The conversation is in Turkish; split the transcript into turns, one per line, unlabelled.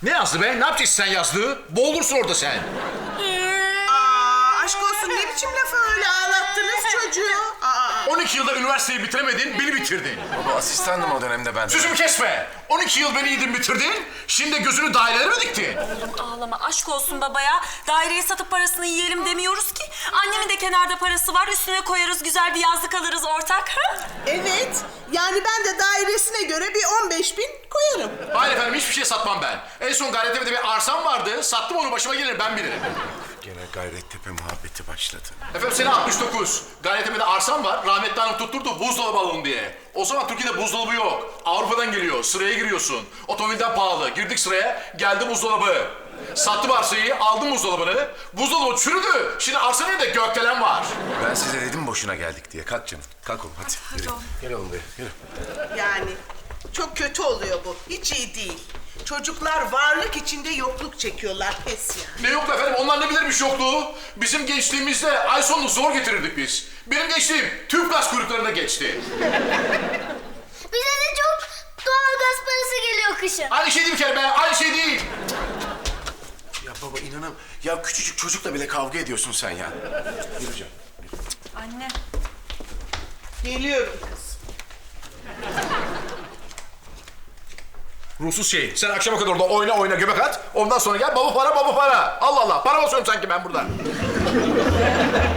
Ne yazdı be? Ne yapacaksın sen yazdığı? Boğulursun orada sen.
Aşk olsun, ne biçim lafı öyle ağlattınız çocuğu?
12 yılda üniversiteyi bitiremedin, beni bitirdin.
Baba asistandım o dönemde ben.
Sözümü kesme. 12 yıl beni yedin bitirdin, şimdi gözünü dairelere mi diktin?
Ağlama, aşk olsun babaya. Daireyi satıp parasını yiyelim demiyoruz ki. Annemin de kenarda parası var. Üstüne koyarız, güzel bir yazlık alırız ortak.
Evet, yani ben de dairesine göre bir 15.000 koyarım.
Hayır efendim, hiçbir şey satmam ben. En son Gayrettepe'de bir arsam vardı, sattım onu, başıma gelir, ben bilirim.
Gene Gayrettepe muhabbeti başladı.
Efendim sene 69. Gayrettepe'de arsam var, rahmetli hanım tutturdu buzdolabı alın diye. O zaman Türkiye'de buzdolabı yok. Avrupa'dan geliyor, sıraya giriyorsun. Otomobilden pahalı, girdik sıraya, geldi buzdolabı. Sattım arsayı, aldım buzdolabını. Buzdolabı çürüdü, şimdi arsa nerede? Gökdelen var.
Ben size dedim boşuna geldik diye. Kalk canım. Kalk oğlum hadi. Yürü. Gel oğlum buraya. Yürü.
Yani çok kötü oluyor bu, hiç iyi değil. Çocuklar varlık içinde yokluk çekiyorlar, pes yani.
Ne yok efendim, onlar ne bilirmiş yokluğu. Bizim gençliğimizde ay sonunu zor getirirdik biz. Benim gençliğim tüp gaz kuyruklarına geçti.
Bize de çok doğalgaz parası geliyor kışın.
Aynı şey değil bir kere be, aynı şey değil.
Ya baba inanam. Ya küçücük çocukla bile kavga ediyorsun sen ya. Yürü canım.
Anne.
Geliyorum kız.
Ruhsuz şey, sen akşama kadar orada oyna göbek at. Ondan sonra gel baba para. Allah Allah, para basıyorum sanki ben burada.